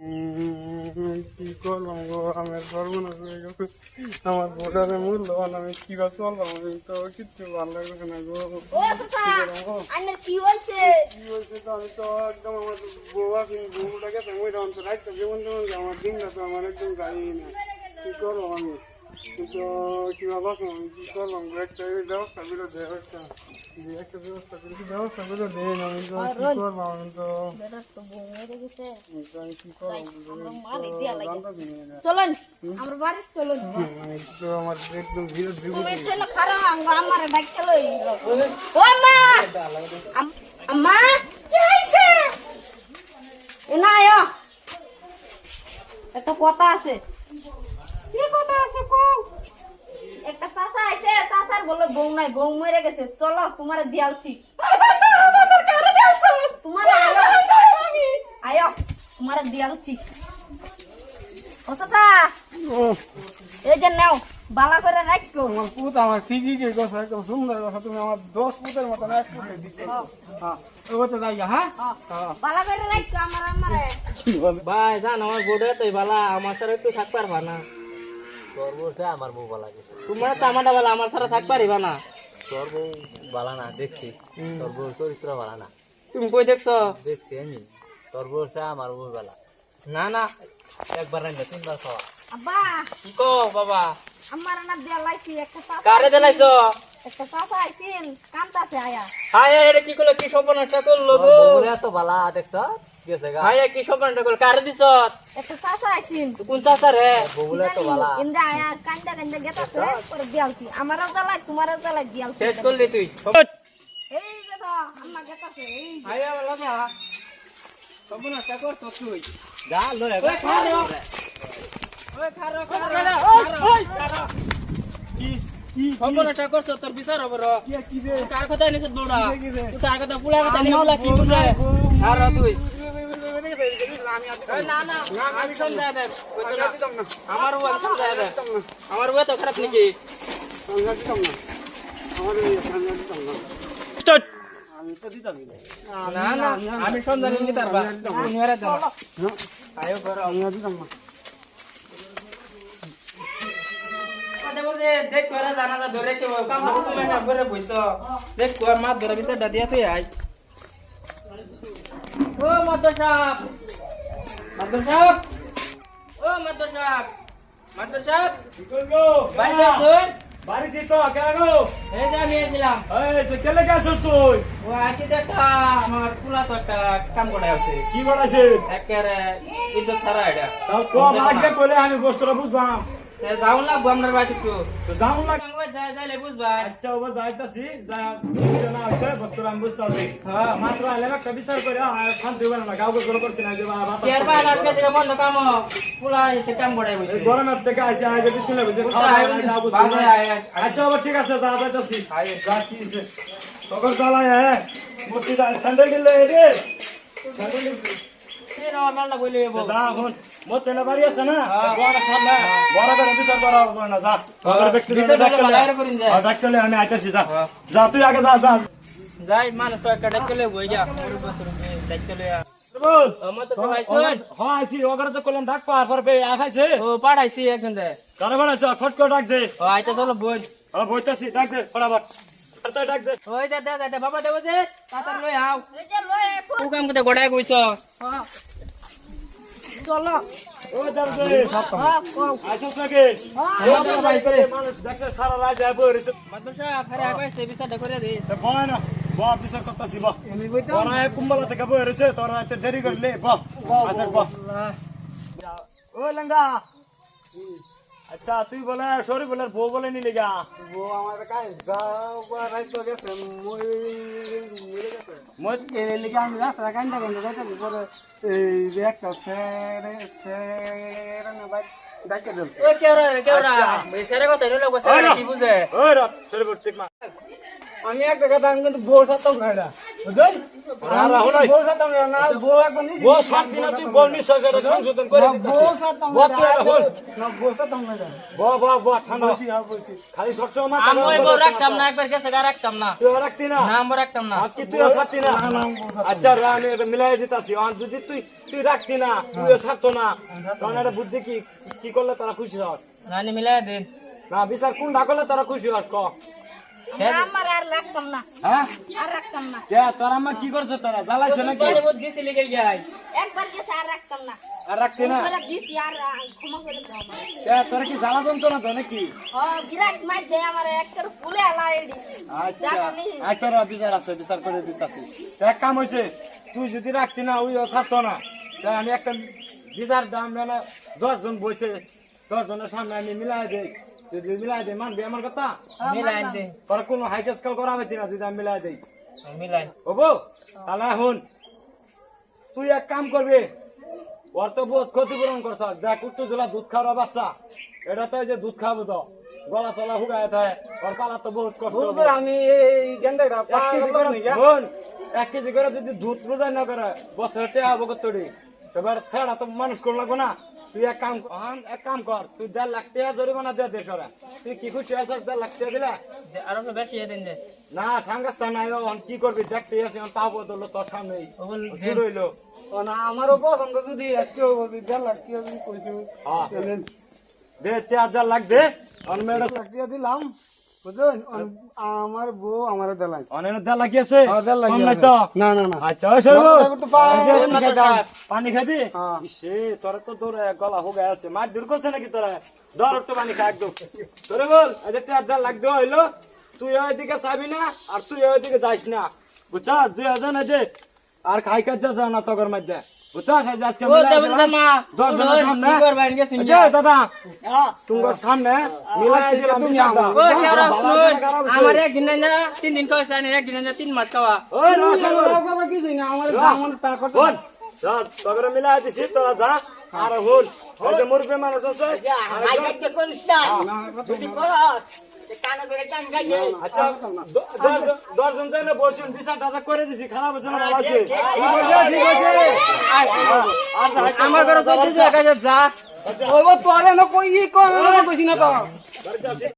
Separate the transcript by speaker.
Speaker 1: কি করলাম গো, আমার সর্বনাশ হয়ে গেছে। আমার ভোটারের মূল্যবান আমি কি বা চললাম, আমি তো কিচ্ছু ভালো লাগছে না গো। কি হয়েছে তো আমি তো একদম আমার বউয়া বউটা গেছে ওই রকম তো রাখতে যেমন যেমন আমার দিনটা তো আমার একদম যায়নি না। কি করবো আমি, কিন্তু কিভাবে আমি কি করলাম, একটা ব্যবস্থা করে দেয় একটা ব্যবস্থা করে দেয় না। আমি তো কি করবো, আমি তো আমি কি করবো
Speaker 2: চলুন আমার বাড়ি চলুন
Speaker 1: তো আমার একদম বিরোধ
Speaker 2: তুমি চলো খারাপ আমার ডাক চলো ও মা আম্মা কি হইছে এনা আয় একটা কথা আছে। কি কথা আছে কও? একটা চাচা আইছে, চাচার বলে বউ নাই, বউ মরে গেছে, চলো তোমারে দিয়ালছি। তোমারে আয় তোমারে দিয়ালছি। ও চাচা এই যে নাও বালা করে রাখো।
Speaker 1: আমার পুত আমার ঠিকই কে কথা, একদম সুন্দর কথা। তুমি আমার 10 পুতের মতন এক পুতে দিতে। হ্যাঁ ও তো যাই হ্যাঁ
Speaker 2: বালা করে রাখো আমারে।
Speaker 3: ভাই জান আমার বোর্ডে তো বালা আমার সাথে একটু থাক পারবা না।
Speaker 4: তোর বলছে আমার বউ বালা গেছে।
Speaker 3: তোমার তো আমারটা বালা আমার সাথে থাক পারিবা না।
Speaker 4: তোর বউ বালা না দেখছি, তোর বউ চরিত্র বালা না
Speaker 3: তুমি কই দেখছো?
Speaker 4: দেখছি আমি। তোর বলছে আমার বউ বালা
Speaker 3: না না
Speaker 4: একবার রান্না 3 বার খাওয়া।
Speaker 2: আব্বা
Speaker 3: কি কো বাবা?
Speaker 2: আমার না দিয়ালাইছি একটা চাচা।
Speaker 3: কারে দিলাইছো?
Speaker 2: একটা চাচা আইছিল কান্তাছে আয়া।
Speaker 3: হায় এটা কি করলো, কি সপনটা করলো
Speaker 4: তোর
Speaker 3: গো?
Speaker 4: বউরে এত বালা দেখছ গেছে গা।
Speaker 3: হায় কি সপনটা করলো, কারে দিছ?
Speaker 2: একটা চাচা আইছিল
Speaker 3: কোন চাচা রে?
Speaker 4: বউরে এত বালা
Speaker 2: ইন্দা আয়া কান্দা কান্দা গেতাছে করে দিয়ালছি। আমারও জ্বালাই তোমারও জ্বালাই দিয়ালছি।
Speaker 3: শেষ করলি তুই?
Speaker 2: এই যে তো আম্মা গেতাছে এই
Speaker 3: হায় লাগা সপনটা করছো তুই?
Speaker 4: যা লয়ে
Speaker 3: ওই খারো ওই খারো
Speaker 1: কি কি
Speaker 3: সপনটা করছো, তোর বিচার হবে র।
Speaker 1: কি রে
Speaker 3: কার কথা নিছ দৌড়া?
Speaker 1: কি রে?
Speaker 3: তুই কার কথা পুলা কথা নিছ কি বুঝে? আর তুই না না আমি সমঝায় দেখ, আমার ও সমঝায় দেখ, আমার ও তো খারাপ নাকি? স্টার্ট। না না আমি সমঝানি নি তারবা তুমি আরে দাও আয়ো করো দেবো যে দেখ করে জানালা ধরে কেউ কাম তুমি না করে বইছো, দেখ কোর মাছ ধরে বিচারটা দিয়া তুই আই। ও মাদর সাহেব, মাদর সাহেব, ও মাদর সাহেব, মাদর সাহেব
Speaker 1: কি করবো
Speaker 3: বাইরে আসুন।
Speaker 1: বাড়িতে তো কেন
Speaker 3: এই যে আমি এসেছিলাম,
Speaker 1: এই যে কেলে গেছ তুই?
Speaker 3: ও আসি দেখা আমার পুলা তো একটা কাম করে আছে
Speaker 1: কি বাড়াইছে?
Speaker 3: একেবারে ইজ্জত ছাড়া এটা।
Speaker 1: তাও কম লাগবে বলে আমি বস্তুটা বুঝবাম।
Speaker 3: যাও না আপনার বাড়ি একটু
Speaker 1: তো যাও লাগ।
Speaker 3: যাইলে বুঝবা।
Speaker 1: আচ্ছা ওবা যাইতাছি, যা না হইছে বস্তুটা আমি বুঝতাছি।
Speaker 3: হ্যাঁ
Speaker 1: মাত্র আলে একটা বিচার করে খান দিবেন না, গাও গোল করছি না যে বাবা
Speaker 3: কেয়ার বা আটকে দিলে বন্ধ কাম পুলা এসে কাম করে বসে।
Speaker 1: গরমের থেকে আইছে আগে বিশুলে বুঝে খাওয়া না বুঝছি না। আচ্ছা ওবা ঠিক আছে, যা যাইতাছি। যা কি হইছে তখন চালাই হ্যাঁ বস্তি দা স্যান্ডেল দিলে রে স্যান্ডেল
Speaker 3: এর আমার না বইলে বল।
Speaker 1: যা এখন মোর তেলে বাড়ি আছে না, বড় সামনে বড় করে বিচার করা হবে না। যা ওদের ব্যক্তি
Speaker 3: বিচার করলে বাইরে করিন যায়।
Speaker 1: ডাক্তারলে আমি আইতাছি। যা যা তুই আগে যা যা
Speaker 3: যাই মানুষ তো একটা ডাকলে বই যা ওর বছর ডাকলে
Speaker 1: বল।
Speaker 3: আমার তো খাইছন।
Speaker 1: হ্যাঁ আইছি, ওগরে তো কইলাম ডাক পার পর বে আখাইছে।
Speaker 3: ও পাঠাইছি এখন দে
Speaker 1: কারে বানাইছ? ফট করে ডাক দে।
Speaker 3: ও আইতা চলো বই।
Speaker 1: হ্যাঁ বইতাছি, ডাক দে ফটাফট। তাড়াতাড়ি ডাক দে।
Speaker 3: ওই দে দে দে বাবা দেব যে তাতার লই আও
Speaker 2: এই যে লয়ে
Speaker 3: ও কাম করতে গড়ায় কইছ।
Speaker 2: হ্যাঁ চলো
Speaker 1: ও দাও দে।
Speaker 2: হ্যাঁ কও
Speaker 1: আইছস নাকি? মানুষ দেখতে সারা রাত যায় বই রইছে।
Speaker 3: মাদ্রাসা ফারে আগাইছে বিচারটা করে দে।
Speaker 1: তো বয় না, বয় বিচার করতাছি বয়।
Speaker 3: আমি কইতো
Speaker 1: তোরা কুম্বলা থেকে বই রইছে, তোরা এত দেরি করলে বয় আচ্ছা বয়। ও লঙ্গা, আচ্ছা তুই বলে সরি বলে বউ বলে নিলি গা? বউ আমার কাছে যাওয়া রাইতো গেছে, মই মরে গেছে। মই এলি গা আমি রাস্তা কান্দা কান্দা যাইতাছি, পরে এই যে একটা ছেড়ে না বাইক ডাকে দিল।
Speaker 3: ও কেওড়া এই সারে কথা হইলো বসে কি বুঝে।
Speaker 1: ওই রা সরি বল ঠিক মা। আমি একটা কথা আমি কিন্তু বউ সাথে না এটা।
Speaker 3: বুঝলি?
Speaker 5: আর রাহুল ভাই,
Speaker 1: বউ সাথে না বউ একবার নিয়ে
Speaker 5: বউ 7 দিনে তুই বল নিশ্চয় সেটা সংশোধন করে দিতেছিস।
Speaker 1: বউ সাথে
Speaker 5: বল তুই রাহুল,
Speaker 1: না বউ সাথে না
Speaker 5: বল ঠান্ডা
Speaker 1: বসি আর বসি
Speaker 5: খালি সবসময় মাথা
Speaker 3: আমি ওই
Speaker 5: গরম
Speaker 3: বউ
Speaker 5: করে
Speaker 3: রাখতাম না, একবার গেছে গা রাখতাম না।
Speaker 5: তুই রাখতি না?
Speaker 3: না আমি রাখতাম না।
Speaker 5: আর কি তুইও ছাড়তি না? আচ্ছা রা, আমি এটা মিলাই দিতাছি। আর যদি তুই রাখতি না, তুইও ছাড়তো না, কারণ এটা বুদ্ধি কি করলে তারা খুশি হস?
Speaker 3: রানি মিলাই দিন।
Speaker 5: না বিচার কোনটা করলে তারা খুশি হস ক?
Speaker 2: আমার আর রাখতাম না,
Speaker 5: হ্যাঁ
Speaker 2: আর রাখতাম না।
Speaker 5: কে তোর আম্মা কি করছে? তারা জ্বালাইছে নাকি?
Speaker 3: দিছি লিগে যাই।
Speaker 2: একবার গেছে আর রাখতাম না।
Speaker 5: আর রাখতি না?
Speaker 2: একবার দিছি আর ক্ষমা করে দাও আমারে।
Speaker 5: কে তোরা কি জ্বালা যন্ত্রণা তো নাকি?
Speaker 2: বিরাট মার দেয় আমার একটার ফুলে আলাই দি।
Speaker 5: আচ্ছা আচ্ছা রা, বিচার আছে, বিচার করে দিতাছি। তো এক কাম হয়েছে, তুই যদি রাখতি না ওই ছাড়তো না, তা আমি একটা বিচার দাম মানে 10 জন বসে 10 জনের সামনে আমি মিলাই দেই। যদি মিলাই দেই মানবি আমার কথা?
Speaker 3: মিলাই দিন।
Speaker 5: তোরা কোনো হাইকেস কাল করা হবে না যদি আমি মিলাই দেই?
Speaker 3: মিলাই।
Speaker 5: হবো? তাহলে এখন তুই এক কাম করবি, ওর তো বহুত ক্ষতিপূরণ করছ। দেখ উত্তর জেলা দুধ খাওয়ার বাচ্চা, এটা তো এই যে দুধ খাবো তো গলা চলা হুগায় থাকে, ওর পালা তো বহুত কষ্ট হবে।
Speaker 1: আমি এই গেন্দাটা
Speaker 5: 1 কেজি করে বোন, 1 কেজি করে যদি দুধ রোজাই না করে বছর টেয়া হবো কত? এবার ছেড়া তো মানুষ করে লাগবো না? তুই এক কাম কর, তুই 1.5 লাখ টাকা জরিমানা দিয়ে দেশ ওরা। তুই কি খুশি আছিস 1.5 লাখ টাকা দিলে?
Speaker 3: আরো তো বেশি দিন দে।
Speaker 5: না সাংগাস্তা নাই, এখন কি করবি দেখতে আসি, তাও বদল তোর সামনেই শুরু হইলো।
Speaker 1: না আমারও পছন্দ যদি একটু বলবি 1.5 লাখ টাকা যদি কইছি
Speaker 5: হ্যাঁ দে 4.5 লাখ দে। অনমেড
Speaker 1: 1.5 লাখ টাকা দিলাম বুঝলেন। আমার বউ আমার দেলাই
Speaker 5: অনেক 1.5 লাখ আছে?
Speaker 1: 1.5 লাখ
Speaker 5: কম নাই তো?
Speaker 1: না না না
Speaker 5: আচ্ছা ওই সরবো
Speaker 1: একটু
Speaker 5: পানি খাবি?
Speaker 1: হ্যাঁ।
Speaker 5: ইসে তোরা তো তোর গলা হুগায় আছে, মার দূর করছে নাকি তোরা? ধর একটু পানি খা একদম। তোরে বল আজ 4.5 লাখ দেওয়া হইলো, তুই ওইদিকে চাবি না আর তুই ওইদিকে যাইস না, বুঝছ? 2000 আছে আর খাই কাজ যা না তোর মধ্যে, বুঝছ? আজকে
Speaker 3: ও দেবেন না।
Speaker 5: 10 জনের সামনে
Speaker 3: কি করবা ইনকে শুনি।
Speaker 5: আচ্ছা দাদা তোমার সামনে মিলাই দিলাম
Speaker 1: তুমি
Speaker 5: বিচারটা।
Speaker 3: ও কেরা শুন, আমার একদিন না 3 দিন কইছে, আর একদিন না 3 মাস খাওয়া।
Speaker 5: ওই না সরবো
Speaker 1: বাবা কি জানি আমার আমার টাকা
Speaker 5: বোন যা তোকে মিলাই দিছি, তোরা যা। আর হুন ওই যে মুরব্বী মানুষ আছে, আচ্ছা 10 জন যাই না বলছেন, বিচার টাকা করে দিছি, খারাপ হচ্ছে না ভালো আছে?
Speaker 3: আমার ঘরে চলছে যে কাজে যা।
Speaker 1: ওই তোরে না কই ই কই কইছি না তো